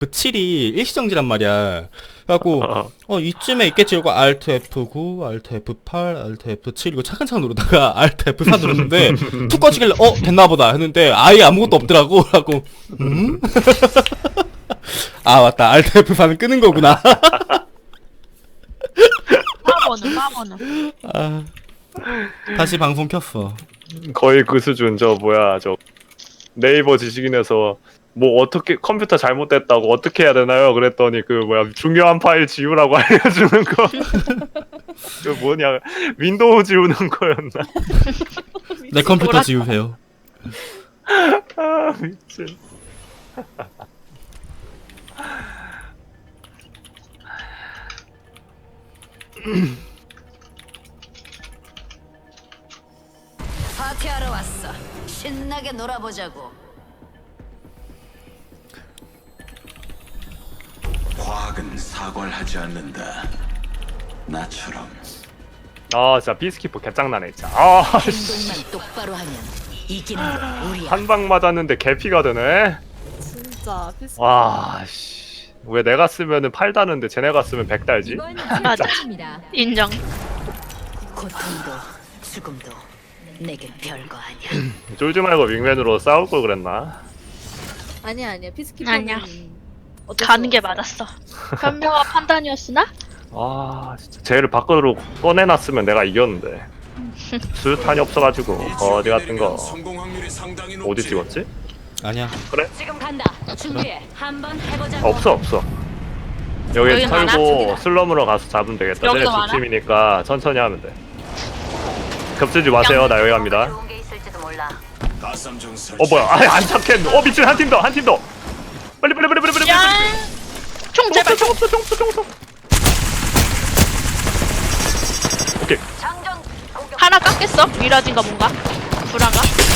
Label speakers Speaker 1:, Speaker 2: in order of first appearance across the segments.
Speaker 1: 7이 일시정지란 말이야. 그래갖고 이쯤에 있겠지 이러고 Alt F9, Alt F8, Alt F7 이거 차근차근 누르다가 Alt F4 누르는데 툭 꺼지길래 됐나보다 했는데 아예 아무것도 없더라고. 그래갖고 아 맞다, Alt F4는 끄는 거구나.
Speaker 2: 빠버는.
Speaker 1: 아, 다시 방송 켰어.
Speaker 3: 거의 그 수준. 저 뭐야, 저 네이버 지식인에서 뭐 어떻게 컴퓨터 잘못됐다고 어떻게 해야 되나요? 그랬더니 그 뭐야, 중요한 파일 지우라고 알려주는 거. 그 뭐냐, 윈도우 지우는 거였나?
Speaker 1: 내 컴퓨터 지우세요.
Speaker 3: 아 미친.
Speaker 4: 파티하러 왔어. 신나게 놀아보자고.
Speaker 5: 과학은 사과를 하지 않는다. 나처럼.
Speaker 3: 아 진짜 비스키퍼 개짱나네 진짜. 아
Speaker 4: 행동만 똑바로 하면 이기는 건 우리야.
Speaker 3: 한 방 맞았는데 개피가 되네.
Speaker 2: 진짜 비슷.
Speaker 3: 와 씨. 왜 내가 쓰면은 8 다는데 쟤네가 쓰면 100 달지?
Speaker 2: 맞아. 인정.
Speaker 4: 고통도 죽음도 내겐 별거 아니야.
Speaker 3: 쫄지 말고 윙맨으로 싸울 걸 그랬나?
Speaker 2: 아니야. 피스키퍼는
Speaker 6: 아니야.
Speaker 2: 어쩔
Speaker 6: 가는
Speaker 2: 수
Speaker 6: 게
Speaker 2: 없어.
Speaker 6: 맞았어. 현명한 판단이었으나?
Speaker 3: 아 진짜 쟤를 밖으로 꺼내놨으면 내가 이겼는데 수류탄이 없어가지고 어디 같은 거 어디 찍었지?
Speaker 1: 아니야.
Speaker 4: 지금 간다. 준비해. 한번 해보자고.
Speaker 3: 없어. 여기
Speaker 6: 여기 많아?
Speaker 3: 털고 슬럼으로 가서 잡으면 되겠다.
Speaker 6: 여기도
Speaker 3: 쟤네 두
Speaker 6: 많아?
Speaker 3: 팀이니까 천천히 하면 돼. 겹치지 마세요. 나 여기 갑니다.
Speaker 4: 좋은 게 있을지도 몰라.
Speaker 5: 가삼정 설치.
Speaker 3: 뭐야? 안 잡겠네. 미친, 한 팀 더. 빨리.
Speaker 6: 야! 총 제발 총!
Speaker 3: 오케이.
Speaker 4: 장전 공격.
Speaker 6: 하나 깎겠어? 미라진가 뭔가? 불안가?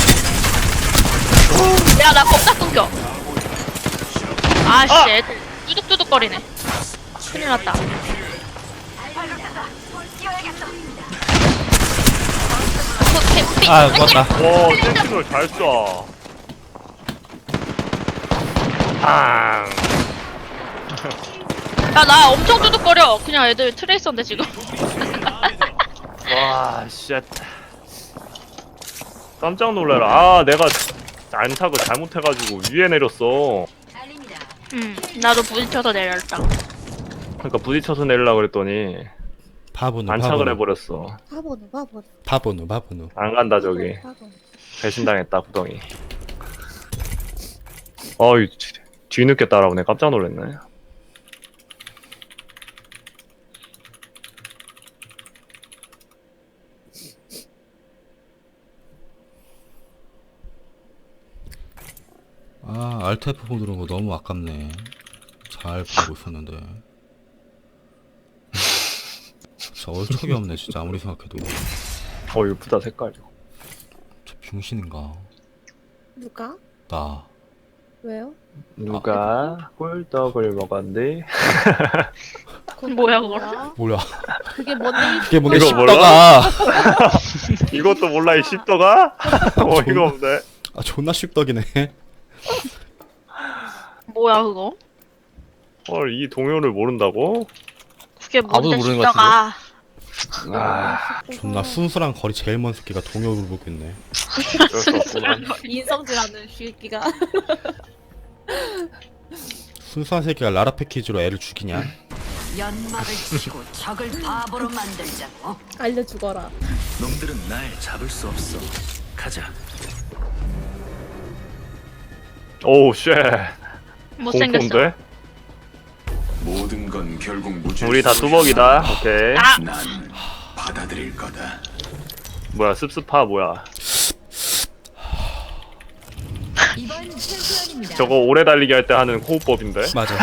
Speaker 6: 야, 나 겁나 끊겨. 아씨, 애들 뚜둑뚜둑거리네. 큰일 났다. 그 캠핑.
Speaker 1: 아 죽었다.
Speaker 3: 와, 센티널 잘 쏴. 팡.
Speaker 6: 야, 나 엄청 뚜둑거려. 그냥 애들 트레이서인데 지금.
Speaker 3: 와, 쉣. 깜짝 놀래라. 아, 내가 안착을 잘못해가지고 위에 내렸어.
Speaker 4: 달립니다.
Speaker 6: 나도 부딪혀서 내렸다.
Speaker 3: 그러니까 부딪혀서 내리려고 그랬더니
Speaker 1: 바보누.
Speaker 3: 안착을 해버렸어.
Speaker 1: 바보누.
Speaker 3: 안 간다 저기. 배신당했다 구덩이. 어이, 뒤늦게 따라오네. 깜짝 놀랐네.
Speaker 1: 아 Alt F4 누른 거 너무 아깝네. 잘 보고 있었는데. 진짜 얼척이 없네 진짜 아무리 생각해도.
Speaker 3: 이쁘다 색깔이.
Speaker 1: 저 병신인가?
Speaker 2: 누가?
Speaker 1: 나.
Speaker 2: 왜요?
Speaker 3: 누가 꿀떡을 먹었니?
Speaker 6: 뭐야, 그거?
Speaker 1: 몰라.
Speaker 2: 그게 뭔데?
Speaker 1: 그게 뭔데
Speaker 3: 이거
Speaker 1: 쉽다가.
Speaker 3: 이것도 몰라 이 씹더가? 어이가 없네.
Speaker 1: 아 존나 쉽덕이네.
Speaker 6: 뭐야, 그거?
Speaker 3: 헐, 이 동요를 모른다고?
Speaker 6: 그게
Speaker 1: 아무도
Speaker 6: 뭔데
Speaker 1: 모르는 것
Speaker 6: 싶다가.
Speaker 3: 아,
Speaker 1: 존나 순수랑 거리 제일 먼 새끼가 동요를 보고 있네.
Speaker 3: 어쩔 수 없구만.
Speaker 2: 인성질하는 쉴기가.
Speaker 1: 순수한 새끼가 라라 패키지로 애를 죽이냐?
Speaker 4: 연막을 치고 적을 바보로 만들자고.
Speaker 2: 알려주거라.
Speaker 5: 놈들은 날 잡을 수 없어. 가자.
Speaker 3: 오우 쉣.
Speaker 6: 못생겼어.
Speaker 3: 공포인데?
Speaker 5: 모든 건 결국 무죄.
Speaker 3: 우리 다 뚜벅이다. 오케이.
Speaker 6: 아!
Speaker 5: 난 받아들일 거다.
Speaker 3: 뭐야 습습파 뭐야.
Speaker 4: 이번 챔피언입니다.
Speaker 3: 저거 오래 달리기 할 때 하는 호흡법인데?
Speaker 1: 맞아.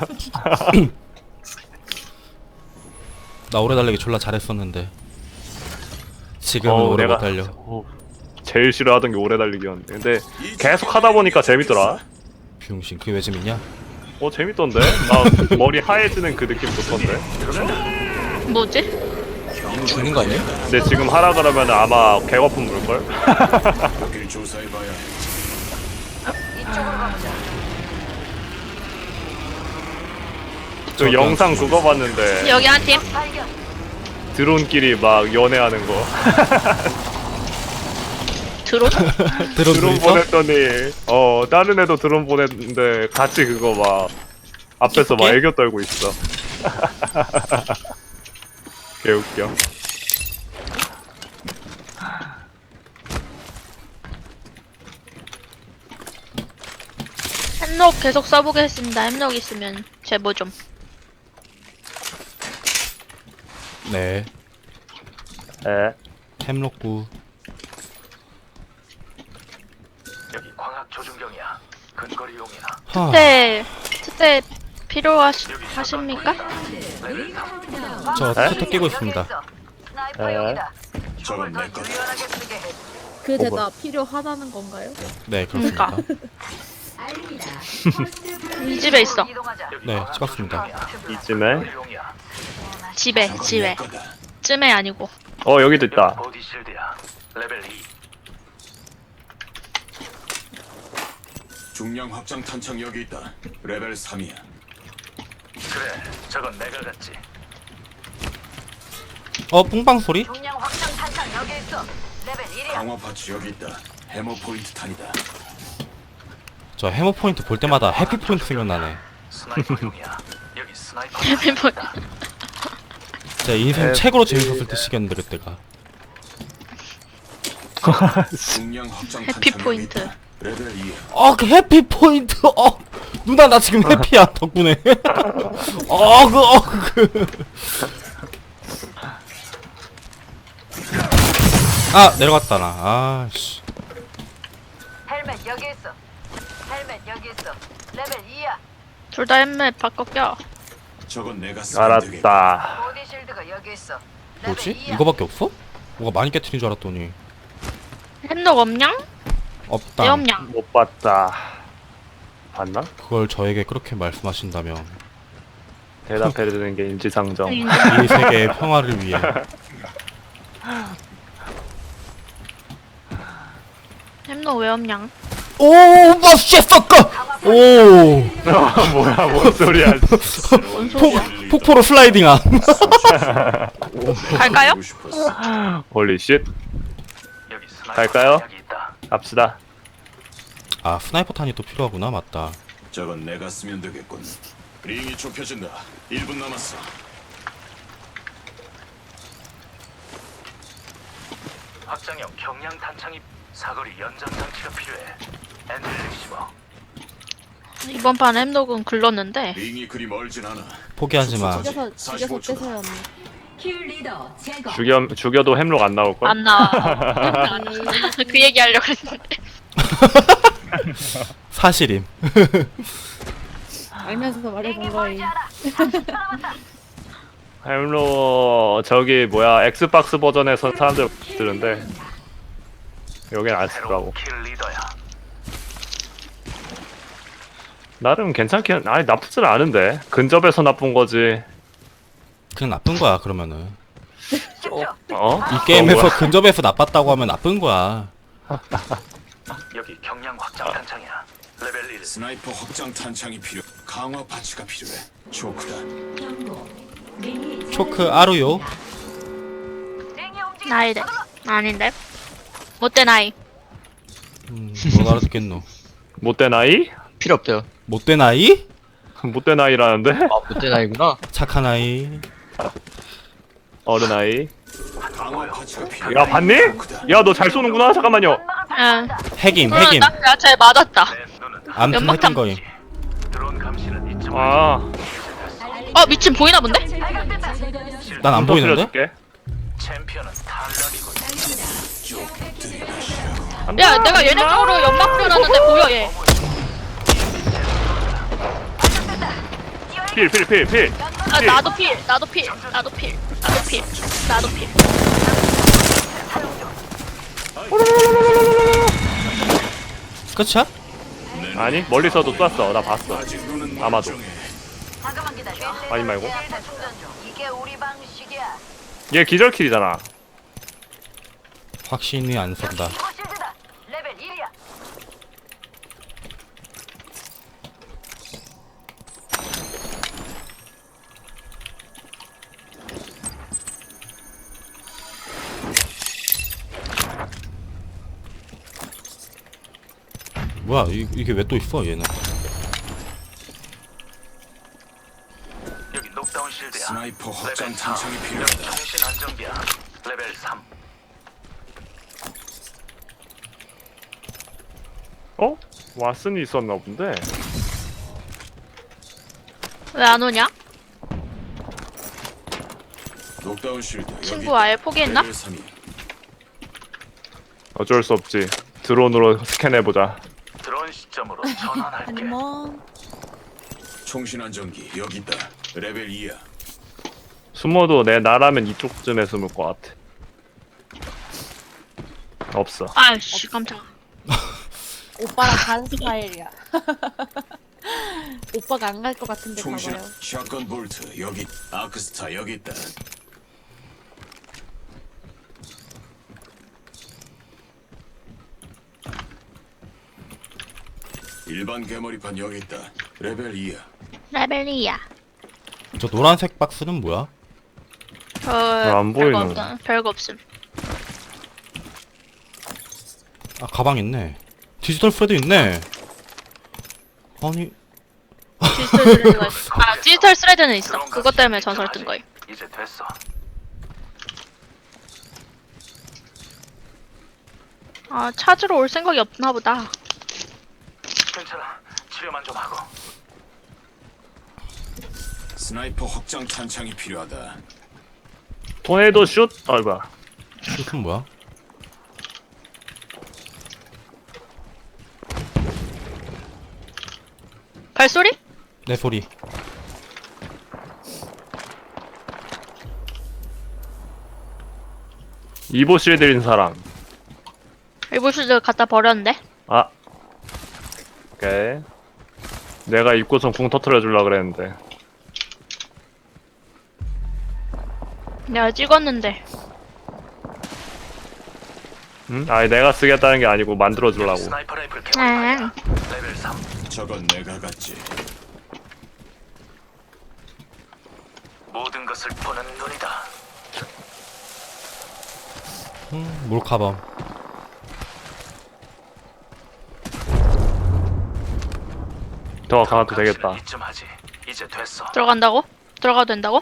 Speaker 1: 나 오래 달리기 졸라 잘했었는데 지금은 오래 못 달려.
Speaker 3: 제일 싫어하던 게 오래 달리기였는데 근데 계속 하다 보니까 재밌더라.
Speaker 1: 비용신 그게 왜 재밌냐?
Speaker 3: 재밌던데? 나 머리 하얘지는 그 느낌 좋던데?
Speaker 6: 뭐지?
Speaker 1: 죽는 거 아니야?
Speaker 3: 근데 지금 하라 그러면 아마 개거품 물걸?
Speaker 5: 여길 조사해봐야 해.
Speaker 4: 이쪽으로 가보자.
Speaker 3: 그 영상 그거 봤는데
Speaker 6: 여기 한 팀.
Speaker 3: 드론끼리 막 연애하는 거.
Speaker 6: 드론?
Speaker 1: 드론
Speaker 3: 드론
Speaker 1: 있어?
Speaker 3: 보냈더니 다른 애도 드론 보냈는데 같이 그거 막 앞에서 막
Speaker 1: 이쁘게?
Speaker 3: 애교 떨고 있어. 개웃겨.
Speaker 6: 햄록 계속 써보겠습니다. 햄록 있으면 제보 좀.
Speaker 1: 네.
Speaker 3: 에.
Speaker 1: 햄록구.
Speaker 5: 여기 광학 조준경이야. 근거리용이야.
Speaker 1: 하.
Speaker 6: 특대 필요하십니까?
Speaker 1: 저 투터 끼고 있습니다.
Speaker 3: 에.
Speaker 5: 저건 내 거다.
Speaker 2: 그 대답 필요하다는 건가요?
Speaker 1: 네, 그렇습니다.
Speaker 6: 그러니까. 이 집에 있어.
Speaker 1: 네, 찍었습니다.
Speaker 3: 이쯤에.
Speaker 6: 집에. 쯤에 아니고.
Speaker 3: 여기도 있다.
Speaker 5: 보디 실드야. 레벨 2.
Speaker 7: 중량 확장 탄창 여기 있다. 레벨 3이야.
Speaker 5: 그래, 저건 내가 갔지.
Speaker 1: 뿡빵 소리?
Speaker 7: 강화 파츠 여기 있다. 해머 포인트 탄이다.
Speaker 1: 저 해머 포인트 볼 때마다 해피 포인트 생각나네.
Speaker 5: 스나이퍼용이야. 여기 스나이퍼.
Speaker 1: 제 인생 최고로 재밌었을 때 시기였는데 그때가.
Speaker 7: 중량 확장
Speaker 6: 해피
Speaker 7: 탄창
Speaker 6: 포인트.
Speaker 7: 여기 있다. 레벨 2야.
Speaker 1: 그 해피 포인트. 누나 나 지금 해피야 덕분에. 내려갔다 나. 씨.
Speaker 8: 헬멧 여기 있어. 헬멧 여기 있어. 레벨 2야.
Speaker 6: 둘 다 햄멧 바꿔 껴.
Speaker 7: 저건 내가 쓰면 되겠다.
Speaker 3: 알았다.
Speaker 8: 보디 실드가 여기 있어. 레벨
Speaker 1: 뭐지?
Speaker 8: 2야.
Speaker 1: 이거밖에 없어? 뭐가 많이 깨트린 줄 알았더니
Speaker 6: 햄록 없냥?
Speaker 1: 없다.
Speaker 6: 내 없냥?
Speaker 3: 못 봤다. 봤나?
Speaker 1: 그걸 저에게 그렇게 말씀하신다면
Speaker 3: 대답해주는 게 인지상정.
Speaker 1: 이 세계의 평화를 위해.
Speaker 6: 햄록 왜 없냥?
Speaker 1: 오, 마씨 썩까. 오,
Speaker 3: 뭐야, 뭔 소리야.
Speaker 6: 뭔 소리야?
Speaker 1: 폭포로 슬라이딩함.
Speaker 6: 갈까요?
Speaker 7: 보고 싶었어.
Speaker 3: 홀리 쉣.
Speaker 5: 여기 스나이퍼.
Speaker 3: 갈까요?
Speaker 5: 여기 있다.
Speaker 3: 갑시다.
Speaker 1: 스나이퍼 탄이 또 필요하구나. 맞다.
Speaker 7: 저건 내가 쓰면 되겠군. 링이 좁혀진다. 1분 남았어.
Speaker 5: 확장형 경량 탄창이 사거리 연장 장치가 필요해. 엔드 리시버.
Speaker 6: 이번 판 햄록은 글렀는데
Speaker 7: 링이 그리 멀진 않아.
Speaker 1: 포기하지 마.
Speaker 2: 죽여서
Speaker 7: 45 초.
Speaker 2: 떼서였네.
Speaker 3: 죽여도 햄록 안 나올걸?
Speaker 6: 안 나와. 그 얘기 하려고 했는데.
Speaker 1: 사실임.
Speaker 2: 알면서 말해본 거임.
Speaker 3: 햄록 저기 뭐야 엑스박스 버전에서 사람들 쓰는데 여긴 안 쓰더라고.
Speaker 5: 킬 리더야.
Speaker 3: 나름 괜찮긴 아니 나쁘진 않은데 근접에서 나쁜 거지.
Speaker 1: 그냥 나쁜 거야 그러면은.
Speaker 3: 이
Speaker 1: 이 게임에서 근접에서 나빴다고 하면 나쁜 거야.
Speaker 5: 여기 경량 확장 탄창이야. 레벨 1.
Speaker 7: 스나이퍼 확장 탄창이 필요. 강화 파츠가 필요해. 초크다.
Speaker 1: 초크 아루요.
Speaker 6: 나이래. 아닌데. 못된 아이.
Speaker 1: 뭐 알아듣겠노.
Speaker 3: 못된 아이?
Speaker 9: 필요 없대요.
Speaker 1: 못된 아이?
Speaker 3: 못된 아이라는데?
Speaker 9: 못된 아이구나.
Speaker 1: 착한 아이.
Speaker 3: 어른 아이.
Speaker 7: 강화 파츠가 필요해.
Speaker 3: 야 봤니? 야 너 잘 쏘는구나. 잠깐만요.
Speaker 6: 응.
Speaker 1: 핵임.
Speaker 6: 잘 맞았다.
Speaker 5: 내 눈은
Speaker 1: 암튼
Speaker 6: 연막탄
Speaker 1: 핵인 거임.
Speaker 5: 드론 감시는 잊지 마.
Speaker 3: 아
Speaker 6: 미친 보이나 본데?
Speaker 1: 난 안 보이는데?
Speaker 3: 줄게.
Speaker 5: 챔피언은 탈락이고.
Speaker 6: 야, 내가 얘네 쪽으로 연막 뿌려놨는데 보여 얘.
Speaker 3: 필.
Speaker 6: 나도 필.
Speaker 1: 끝이야?
Speaker 3: 아니 멀리서도 쐈어. 나 봤어.
Speaker 7: 아직 눈은
Speaker 3: 아마도.
Speaker 7: 멀쩡해.
Speaker 8: 잠깐만 기다려.
Speaker 3: 아니 말고.
Speaker 8: 델타 충전 중. 이게 우리 방식이야.
Speaker 3: 얘 기절킬이잖아.
Speaker 1: 확신이 안 선다.
Speaker 8: 이거 실드다. 레벨 1이야.
Speaker 1: 뭐야 이게 왜 또 있어 얘는.
Speaker 5: 여기 녹다운 실드야.
Speaker 7: 스나이퍼 확장
Speaker 5: 레벨 4.
Speaker 7: 탄창이
Speaker 5: 여기
Speaker 7: 필요하다.
Speaker 5: 통신 안정기야. 레벨 3.
Speaker 3: 어? 왓슨이 있었나 본데.
Speaker 6: 왜 안 오냐?
Speaker 7: 녹다운 실드 여기
Speaker 6: 친구
Speaker 7: 있다.
Speaker 6: 아예 포기했나?
Speaker 7: 레벨 3이.
Speaker 3: 어쩔 수 없지. 드론으로 스캔해보자.
Speaker 5: 드론 시점으로 전환할게.
Speaker 2: 아니면
Speaker 7: 총신 안정기 여기 있다. 레벨 2야.
Speaker 3: 숨어도 내 나라면 이쪽쯤에 숨을 것 같아. 없어.
Speaker 6: 아이씨 깜짝아.
Speaker 2: 오빠랑 다른 스타일이야. 오빠가 안 갈 것 같은데
Speaker 7: 총신
Speaker 2: 가봐요.
Speaker 7: 샷건 볼트 여기 아크스타 여기 있다. 일반 개머리판 여기 있다. 레벨 2야.
Speaker 6: 레벨 2야.
Speaker 1: 저 노란색 박스는 뭐야?
Speaker 3: 안 보이는 거.
Speaker 6: 별거 없음.
Speaker 1: 아 가방 있네. 디지털 프레드 있네. 아니
Speaker 6: 디지털 스레드가 있어. 아 디지털 스레드는 있어. 그것 때문에 전설 뜬 거예요.
Speaker 5: 이제 됐어.
Speaker 6: 아 찾으러 올 생각이 없나 보다.
Speaker 5: 괜찮아. 치료만 좀 하고.
Speaker 7: 스나이퍼 확장 탄창이 필요하다.
Speaker 3: 토네이도 슛? 아 뭐야.
Speaker 1: 이건 뭐야?
Speaker 6: 발소리?
Speaker 1: 내 소리.
Speaker 3: 이보 실드인 사람.
Speaker 6: 일부슈즈 갖다 버렸는데.
Speaker 3: 아. 오케이. 내가 입고선 궁 터트려 줄라 그랬는데.
Speaker 6: 내가 찍었는데.
Speaker 3: 응? 아니 내가 쓰겠다는 게 아니고 만들어 주려고.
Speaker 5: 스나이퍼 라이플 개발이야.
Speaker 6: 아,
Speaker 5: 레벨 3.
Speaker 7: 저건 내가 갖지.
Speaker 5: 모든 것을 보는 눈이다.
Speaker 1: 몰카범.
Speaker 3: 더 가도 되겠다.
Speaker 5: 이쯤 하지. 이제 됐어.
Speaker 6: 들어간다고? 들어가도 된다고?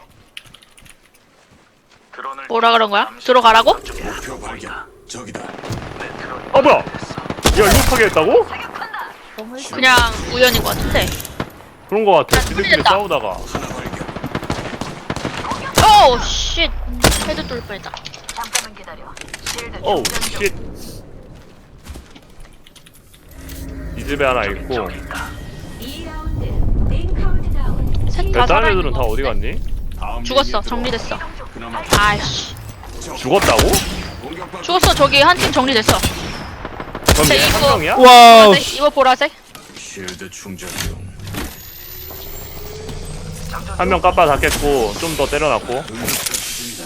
Speaker 5: 드론을
Speaker 6: 뭐라 그런 거야?
Speaker 5: 잠시
Speaker 6: 들어가라고?
Speaker 5: 저쪽에
Speaker 7: 목표 발견. 저기다.
Speaker 5: 내 드론이
Speaker 3: 어 뭐야?
Speaker 5: 됐어.
Speaker 3: 야 이거 타게 했다고?
Speaker 2: 너무
Speaker 6: 그냥 우연인 것 같은데.
Speaker 3: 그런 거 같아.
Speaker 6: 야,
Speaker 3: 지들끼리
Speaker 6: 뚫렸다.
Speaker 3: 싸우다가.
Speaker 7: 하나 발견.
Speaker 6: 오 쉣. 헤드 뚫릴 뻔했다.
Speaker 8: 잠깐만 기다려. 실드
Speaker 3: 오우
Speaker 8: 충전 중.
Speaker 3: 쉣. 이 집에 하나 있고.
Speaker 6: 셋다
Speaker 3: 다른 애들은
Speaker 6: 살아있는
Speaker 3: 다
Speaker 6: 거
Speaker 3: 어디
Speaker 6: 같은데?
Speaker 3: 갔니?
Speaker 7: 다음
Speaker 6: 죽었어.
Speaker 7: 링에
Speaker 6: 정리됐어.
Speaker 7: 들어와. 그나마
Speaker 6: 아이씨.
Speaker 3: 죽었다고?
Speaker 7: 공격받고
Speaker 6: 죽었어. 저기 한 팀 정리됐어.
Speaker 3: 그럼
Speaker 6: 자,
Speaker 3: 얘 한
Speaker 6: 이거-
Speaker 3: 명이야?
Speaker 1: 와우.
Speaker 6: 보라색? 이거 보라색?
Speaker 7: 쉴드 충전 중.
Speaker 3: 한 명 깜빡 닫겠고 좀 더 때려놨고.
Speaker 7: 응급처치 중이다.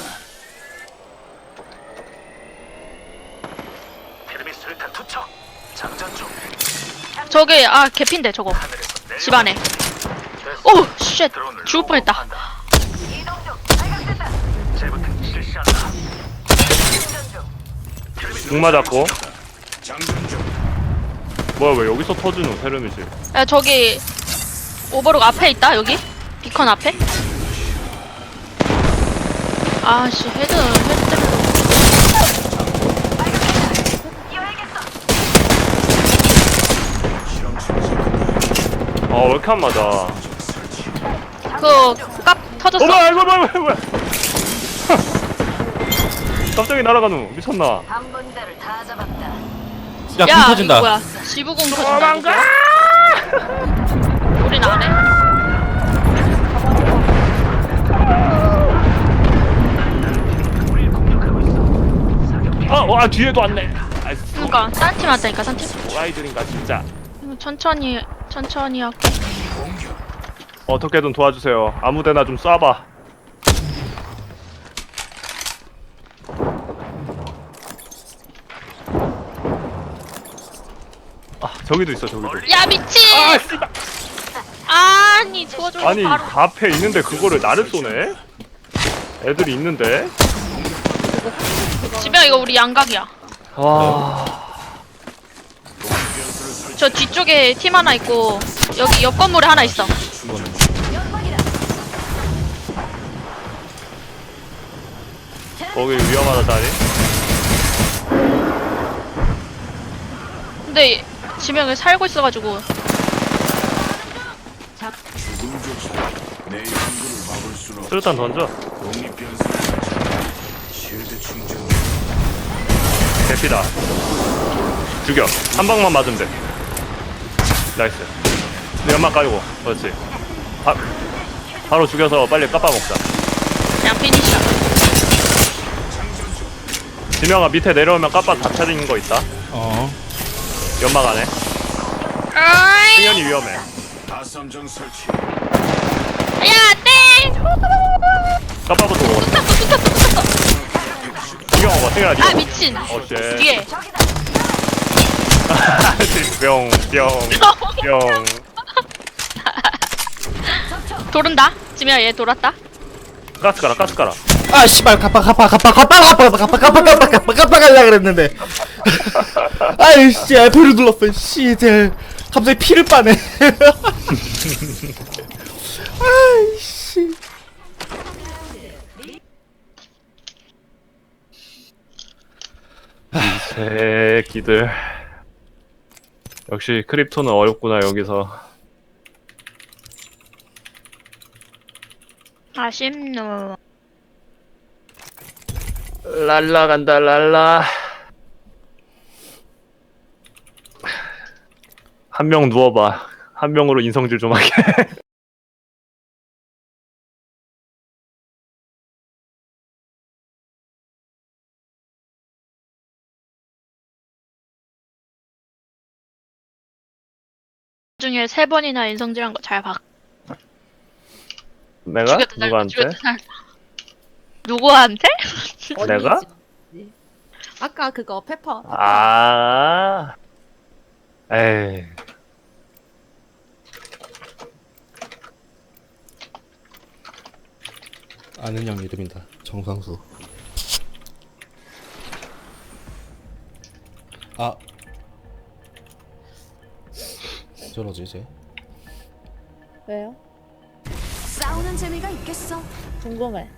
Speaker 5: 피르미 수류탄 투척. 장전 중.
Speaker 6: 저기 아 개핀데 저거.
Speaker 5: 하늘에서 내려.
Speaker 6: 집 안에.
Speaker 5: 됐어.
Speaker 6: 오 쉣.
Speaker 5: 드론을
Speaker 6: 죽을 뻔했다.
Speaker 5: 로봇한다.
Speaker 8: 이동 중. 발각됐다.
Speaker 5: 재부팅 실시한다.
Speaker 8: 충전 중.
Speaker 3: 궁 맞았고.
Speaker 7: 장전 중.
Speaker 3: 뭐야 왜 여기서 터지노 세르미지.
Speaker 6: 야 저기 오버룩 앞에 있다 여기. 비컨 앞에. 아씨 헤드 때문에.
Speaker 8: 이어야겠어.
Speaker 7: 실험 중이다.
Speaker 3: 아 왜 이렇게 안 맞아.
Speaker 6: 그깝 터졌어.
Speaker 3: 뭐야 이거 뭐야. 갑자기 날아가노. 미쳤나.
Speaker 8: 한 분대를 다 잡았다.
Speaker 1: 야, 공
Speaker 6: 야
Speaker 1: 터진다.
Speaker 6: 이거 뭐야? 지부공 터진다. 이거. 우린 안 해.
Speaker 5: 우리 공격하고 있어. 사격
Speaker 3: 아 뒤에도 왔네. 아
Speaker 6: 그러니까 딴 팀 왔다니까 딴 팀.
Speaker 3: 아이들인가 진짜.
Speaker 6: 천천히 할게.
Speaker 3: 어떻게든 도와주세요. 아무데나 좀 쏴봐. 아 저기도 있어 저기도.
Speaker 6: 야 미친.
Speaker 3: 아 씨발.
Speaker 6: 아니 도와줘.
Speaker 3: 아니
Speaker 6: 바로.
Speaker 3: 앞에 있는데 그거를 나를 쏘네? 애들이 있는데?
Speaker 6: 지병 이거 우리 양각이야.
Speaker 3: 와.
Speaker 7: 변수를
Speaker 6: 저 뒤쪽에 팀 하나 있고 여기 옆 건물에 하나 있어.
Speaker 3: 거기 위험하다 자리.
Speaker 6: 근데 지명을 살고 있어가지고
Speaker 7: 죽음조차 내 연구를 막을 수는 없어.
Speaker 3: 수류탄 던져.
Speaker 7: 독립변수를 실드 충전.
Speaker 3: 대피다. 죽여. 한 방만 맞으면 돼. 나이스. 내 연막 까이고. 그렇지. 바로 죽여서 빨리 까빠 먹자.
Speaker 6: 그냥 피니시야.
Speaker 3: 지명아 밑에 내려오면 까빠 다 차린 거 있다.
Speaker 1: 어.
Speaker 3: 연막 안에.
Speaker 6: 아이,
Speaker 3: 승현이 위험해.
Speaker 7: 가삼정 설치.
Speaker 6: 야, 땡!
Speaker 3: 까빠부터 먹어. 죽여 먹어. 승현아
Speaker 6: 아,
Speaker 3: 죽여.
Speaker 6: 미친.
Speaker 3: 어째.
Speaker 6: 뒤에.
Speaker 3: 뿅, 뿅, 뿅.
Speaker 6: 도른다. 지명아, 얘 돌았다.
Speaker 3: 가스 가라, 가스 가라.
Speaker 1: 아 씨발 가빠 갈라 그랬는데. 아이 씨 F를 눌렀어. 씨 이제 갑자기 피를 빠네. 아이 씨.
Speaker 3: 새끼들. 역시 크립토는 어렵구나 여기서.
Speaker 6: 아쉽노.
Speaker 3: 랄라 간다 랄라. 한 명 누워봐. 한 명으로 인성질 좀 하게.
Speaker 6: 중에 3번이나 인성질한 거 잘 봐.
Speaker 3: 내가?
Speaker 6: 죽였다 살다,
Speaker 3: 누구한테?
Speaker 6: 죽였다 살다. 누구한테?
Speaker 3: 내가?
Speaker 2: 언니지. 아까 그거 페퍼.
Speaker 3: 아. 에이.
Speaker 1: 아는 형 이름이다. 정상수. 아. 저러지 이제.
Speaker 2: 왜요?
Speaker 8: 싸우는 재미가 있겠어.
Speaker 2: 궁금해.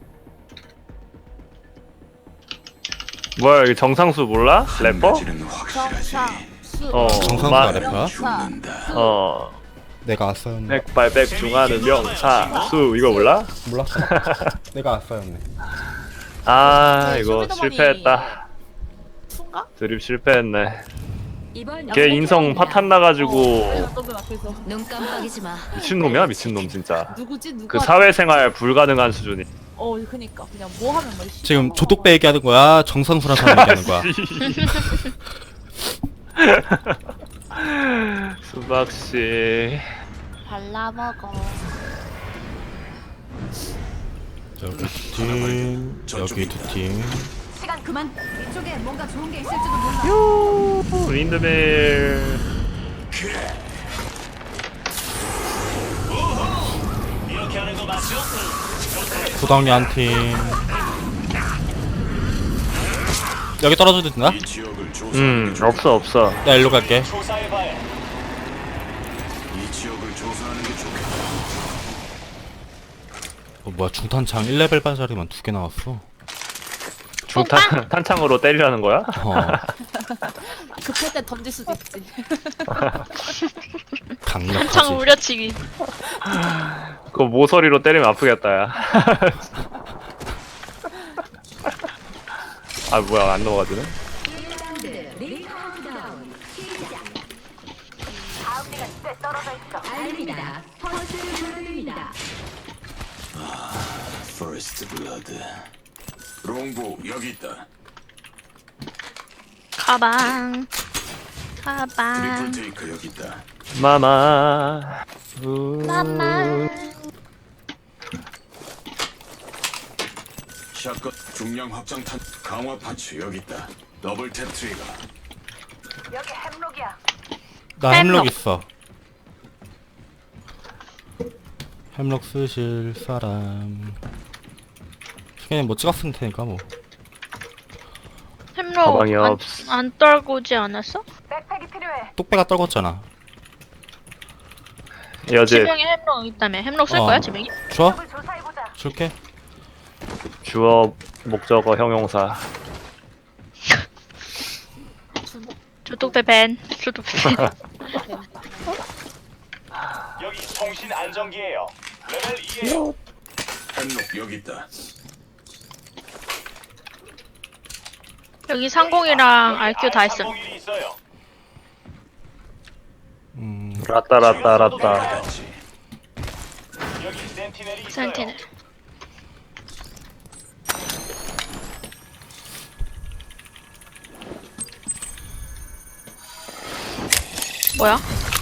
Speaker 3: 뭐야 여기 정상수 몰라? 래퍼?
Speaker 7: 가지는 확실하지.
Speaker 2: 정상수.
Speaker 3: 어.
Speaker 1: 정상수가 래퍼야?
Speaker 7: 죽는다.
Speaker 3: 어.
Speaker 1: 내가 아싸였네.
Speaker 3: 백발백중하는 명사수 이거 몰라?
Speaker 1: 몰랐어. 내가 아싸였네.
Speaker 3: 아
Speaker 2: 네,
Speaker 3: 이거
Speaker 2: 쇼미더머니
Speaker 3: 실패했다.
Speaker 2: 순가?
Speaker 3: 드립 실패했네.
Speaker 8: 이번
Speaker 3: 걔 인성 파탄 나가지고
Speaker 2: 너무 앞에서
Speaker 4: 눈 깜빡이지 마.
Speaker 3: 미친놈이야 미친놈 진짜.
Speaker 2: 누구지 누구?
Speaker 3: 그 사회생활 불가능한 수준이.
Speaker 2: 그니까 그냥 뭐 하면 뭐.
Speaker 1: 지금 조독배 얘기하는 거야? 정상수란 사람 얘기하는 거야?
Speaker 3: 수박씨.
Speaker 2: 발라 먹어.
Speaker 1: 여기 두 팀, 여기 두 팀.
Speaker 8: 시간 그만. 이쪽에 뭔가 좋은 게 있을지도 몰라.
Speaker 3: 윈드밀.
Speaker 1: 구덩이 한 팀. 여기 떨어져도 되나?
Speaker 7: 이 지역을 조사하는 게 좋.
Speaker 3: 없어.
Speaker 1: 나 일로 갈게.
Speaker 7: 이 지역을 조사하는 게 좋겠다.
Speaker 1: 뭐야 중탄창 1레벨 반짜리만 2개 나왔어.
Speaker 3: 탄창으로 때리라는 거야?
Speaker 2: 급할 때 던질 수도 있지.
Speaker 6: 참
Speaker 1: 강력하지.
Speaker 6: 우려치기.
Speaker 3: 그거 모서리로 때리면 아프겠다 야. 아 뭐야 안 넘어가지네?
Speaker 8: 다음리가 꽤 떨어져 있어.
Speaker 7: First Blood. 롱보 여기 있다.
Speaker 6: 가방.
Speaker 7: 트리플
Speaker 6: 가방.
Speaker 7: 테이크 여기 있다.
Speaker 3: 마마.
Speaker 6: 마마.
Speaker 7: 샷건 중량 확장탄 강화 파츠 여기 있다. 더블 탭 트리거.
Speaker 8: 여기 햄록이야.
Speaker 1: 나 햄록
Speaker 6: 햄록.
Speaker 1: 있어. 햄록 쓰실 사람. 그냥 뭐 찍었을 테니까 뭐.
Speaker 6: 햄로
Speaker 3: 가방이
Speaker 6: 안,
Speaker 3: 없어.
Speaker 6: 안 떨고 오지 않았어?
Speaker 8: 백팩이 필요해. 필요해.
Speaker 1: 똑배가 떨궜잖아.
Speaker 3: 여제
Speaker 6: 지명이 햄록 있다며. 햄록 쓸
Speaker 1: 어.
Speaker 6: 거야 지명이?
Speaker 1: 줘?
Speaker 8: 적을 조사해보자.
Speaker 1: 줄게.
Speaker 3: 주어 목적어 형용사.
Speaker 6: 주독배 밴. 주독배 밴.
Speaker 5: 여기 통신 안정기예요. 레벨 2예요.
Speaker 7: 햄록 여기 있다.
Speaker 6: 여기 상공이랑 RQ 다 있음.
Speaker 5: 상공일이 있어요.
Speaker 3: 라따라따라따.
Speaker 5: 여기 센티넬이 있어요.
Speaker 6: 센티넬. 뭐야?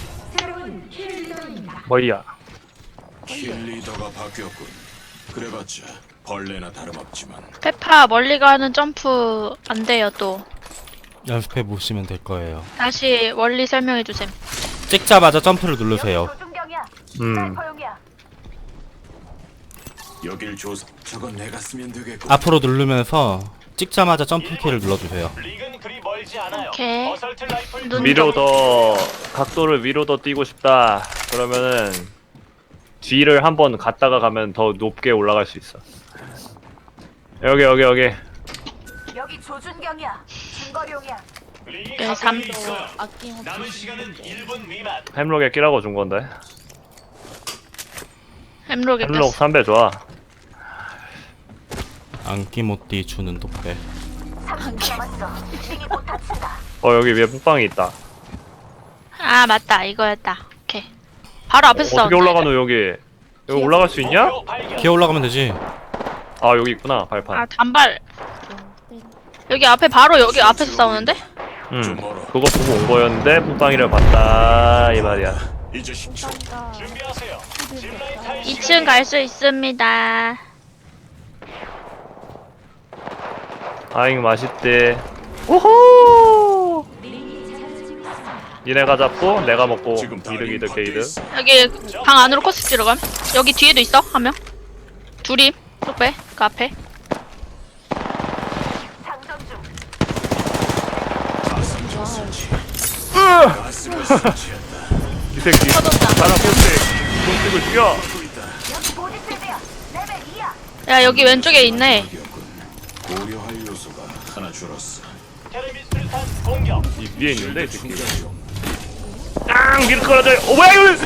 Speaker 3: 뭐야?
Speaker 7: 킬 리더가 바뀌었군. 그래봤자 벌레나 다름없지만
Speaker 6: 페파 멀리 가는 점프 안 돼요 또.
Speaker 1: 연습해 보시면 될 거예요.
Speaker 6: 다시 원리 설명해 주셈.
Speaker 1: 찍자마자 점프를 누르세요.
Speaker 8: 조준경이야.
Speaker 3: 음.
Speaker 8: 사이퍼용이야.
Speaker 7: 여길 조사. 저건 내가 쓰면 되겠군.
Speaker 1: 앞으로 누르면서 찍자마자 점프키를 눌러주세요.
Speaker 5: 릭은 그리 멀지 않아요.
Speaker 6: 오케이.
Speaker 5: 어설트 라이플
Speaker 6: 눈
Speaker 3: 위로 더 각도를 위로 더 띄고 싶다. 그러면은 뒤를 한번 갔다가 가면 더 높게 올라갈 수 있어. 여기.
Speaker 8: 여기 조준경이야. 중거리용이야.
Speaker 5: 릭이
Speaker 6: 네,
Speaker 5: 가까이
Speaker 6: 삼-
Speaker 5: 있어요.
Speaker 2: 아낌없이
Speaker 5: 남은 시간은 1분 미만.
Speaker 3: 햄록에 끼라고 준 건데.
Speaker 6: 햄록에
Speaker 3: 햄록
Speaker 6: 꼈어.
Speaker 3: 3배 좋아.
Speaker 1: 안기모띠 주는 독배.
Speaker 8: 30초 남았어. 링이 못 다친다.
Speaker 3: 여기 위에 묵방이 있다.
Speaker 6: 아 맞다 이거였다. 오케이. 바로 앞에서
Speaker 3: 어떻게
Speaker 6: 싸운다.
Speaker 3: 올라가노 여기? 여기 올라갈 수 있냐?
Speaker 5: 목표 발견.
Speaker 1: 기어 올라가면 되지.
Speaker 3: 아 여기 있구나 발판.
Speaker 6: 아 단발. 여기 앞에 바로 여기 앞에서 싸우는데?
Speaker 7: 좀 멀어.
Speaker 3: 그거 보고 온 거였는데 묵방이를 봤다 이 말이야.
Speaker 7: 이제 10초.
Speaker 5: 준비하세요. 짚라인 타이
Speaker 6: 2층 갈 수 있습니다.
Speaker 3: 아잉 맛있대. 오호. 니네가 잡고 내가 먹고
Speaker 7: 지금 다
Speaker 3: 이득
Speaker 7: 밖에
Speaker 3: 게이득.
Speaker 7: 있어.
Speaker 6: 여기 방 안으로 코스 들어감. 여기 뒤에도 있어 한 명. 둘이 쏙빼 그 앞에.
Speaker 8: 장전 중.
Speaker 7: 가슴 설치. 가슴을 설치했다.
Speaker 3: 이 새끼 사람 포스에 공식을 죽여.
Speaker 8: 여기 보디필드야. 레벨 2야.
Speaker 6: 야 여기 왼쪽에 있네.
Speaker 7: 고려할 요소가 하나 줄었어.
Speaker 5: 테레미스를 탄 공격.
Speaker 3: 이 위에 있는데 이 새끼.
Speaker 7: 중간
Speaker 3: 깡 밀 끌어져. 뭐야 이거?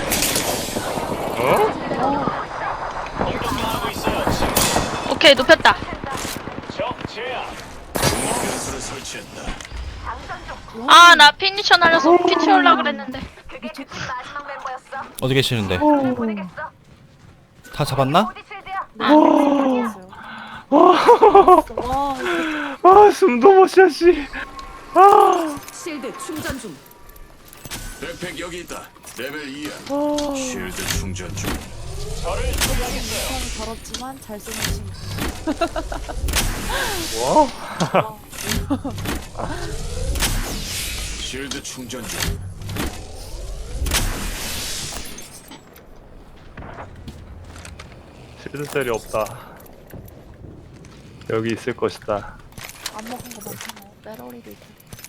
Speaker 5: 공격당하고 있어요. 지금
Speaker 6: 오케이 눕혔다.
Speaker 5: 적 제압.
Speaker 7: 변수를 설치했다.
Speaker 8: 장전 중.
Speaker 6: 아 나 피니셔 날려서 피 채우려 그랬는데.
Speaker 8: 그게 그 마지막 멤버였어.
Speaker 1: 어디 계시는데?
Speaker 8: 보내겠어.
Speaker 1: 다 잡았나?
Speaker 8: 보디필드야.
Speaker 2: 와
Speaker 3: 아 숨도 못 쉬어 씨.
Speaker 4: 실드 충전 중.
Speaker 7: 백팩 여기 있다. 레벨 2야. 쉴드 충전 중.
Speaker 5: 저를 처리하겠어요.
Speaker 2: 이상이 더럽지만 잘 쓰는 친구.
Speaker 7: 쉴드 충전 중.
Speaker 3: 실드셀이 없다. 여기 있을 것이다.
Speaker 2: 안 먹은 거 많잖아. 빼러리도 있고.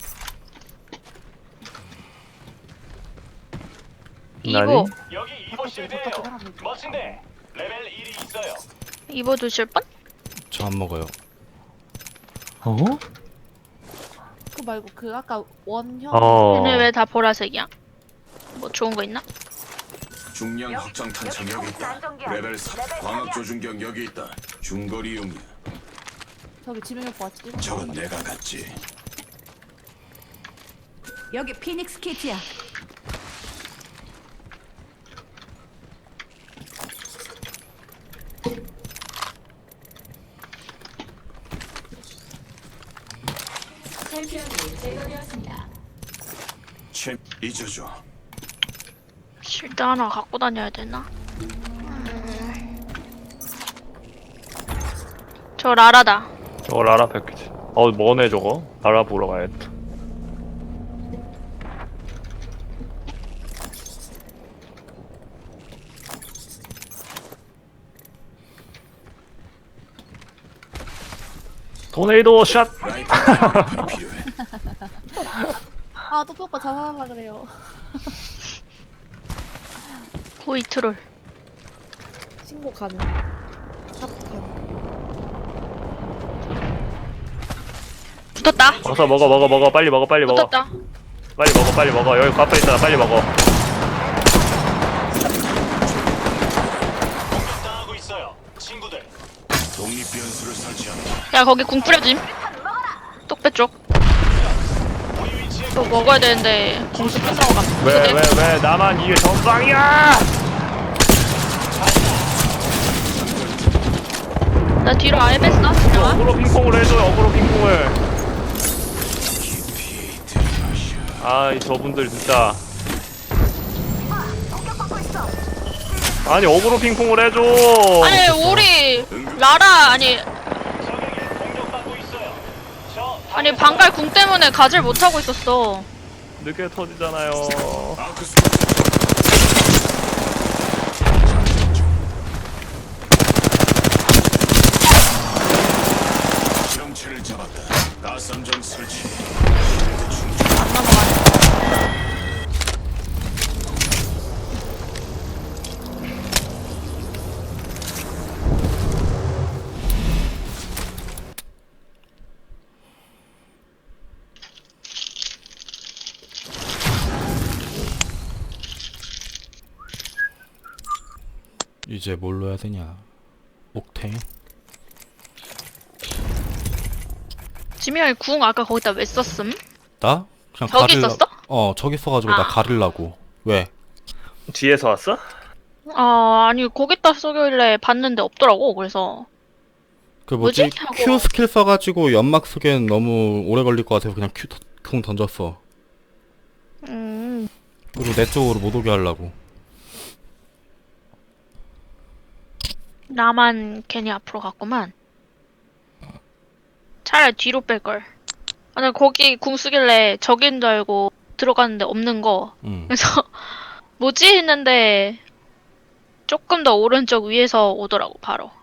Speaker 6: 이보
Speaker 5: 여기 이보 실드예요. 멋진데. 레벨 1이 있어요.
Speaker 6: 이보 드실 분?
Speaker 1: 저 안 먹어요.
Speaker 2: 그 말고 그 아까 원형
Speaker 6: 얘네 왜 다 보라색이야? 뭐 좋은 거 있나?
Speaker 7: 중량 확장 탄창 여기 있다. 레벨 4. 광학 조준경 여기 있다. 중거리용이야.
Speaker 2: 저기 지명이 오빠 왔지?
Speaker 7: 저건 내가 갔지.
Speaker 4: 여기 피닉스 키트야.
Speaker 7: 챔 잊어줘.
Speaker 6: 실드 하나 갖고 다녀야 되나? 저 라라다.
Speaker 3: 저거 라라 패키지. 뭐네 저거? 라라 보러 가야겠다. 토네이도 샷!
Speaker 7: 라이트 필요해.
Speaker 2: 아, 또 오빠 자살하려 그래요.
Speaker 6: 고이 트롤.
Speaker 2: 신고 가능. 사폭 가능.
Speaker 6: 붙었다.
Speaker 3: 어서 먹어 빨리 먹어 빨리 먹어
Speaker 6: 붙었다.
Speaker 3: 빨리 먹어 여기 과플 있잖아 빨리 먹어.
Speaker 5: 당하고 있어요. 친구들.
Speaker 7: 독립 변수를 설치한다.
Speaker 6: 야 거기 궁 뿌려짐. 똑배 쪽. 또 먹어야 되는데 공수 끝나고 가.
Speaker 3: 왜 나만 이게 전방이야.
Speaker 6: 나 뒤로 아예 뺐어. 그냥.
Speaker 3: 어그로 핑퐁을 해줘요 어그로 핑퐁을. 아이 저분들 진짜. 아니 어그로 핑퐁을 해줘.
Speaker 6: 아니 우리 라라 아니
Speaker 5: 공격받고 있어요. 저
Speaker 6: 아니 방갈 궁 때문에 가질 못하고 있었어.
Speaker 3: 늦게 터지잖아요.
Speaker 7: 아크스 실험체를 잡았다. 가삼정 설치.
Speaker 6: 안 넘어가네.
Speaker 1: 이제 뭘로 해야 되냐? 옥탱?
Speaker 6: 지미 형이 궁 아까 거기다 왜 썼음?
Speaker 1: 나? 그냥
Speaker 6: 저기
Speaker 1: 가릴라-
Speaker 6: 있었어?
Speaker 1: 저기 있어가지고 나
Speaker 6: 아.
Speaker 1: 가릴라고. 왜?
Speaker 3: 뒤에서 왔어?
Speaker 6: 아니 거기다 쏘길래 봤는데 없더라고. 그래서
Speaker 1: 그 뭐지?
Speaker 6: 뭐지? 하고.
Speaker 1: Q 스킬 써가지고 연막 쓰기엔 너무 오래 걸릴 것 같아서 그냥 궁 던졌어. 그리고 내 쪽으로 못 오게 하려고.
Speaker 6: 나만 괜히 앞으로 갔구만. 차라리 뒤로 뺄걸. 아니 거기 궁 쓰길래 적인 줄 알고 들어갔는데 없는 거.
Speaker 1: 응.
Speaker 6: 그래서 뭐지 했는데 조금 더 오른쪽 위에서 오더라고 바로.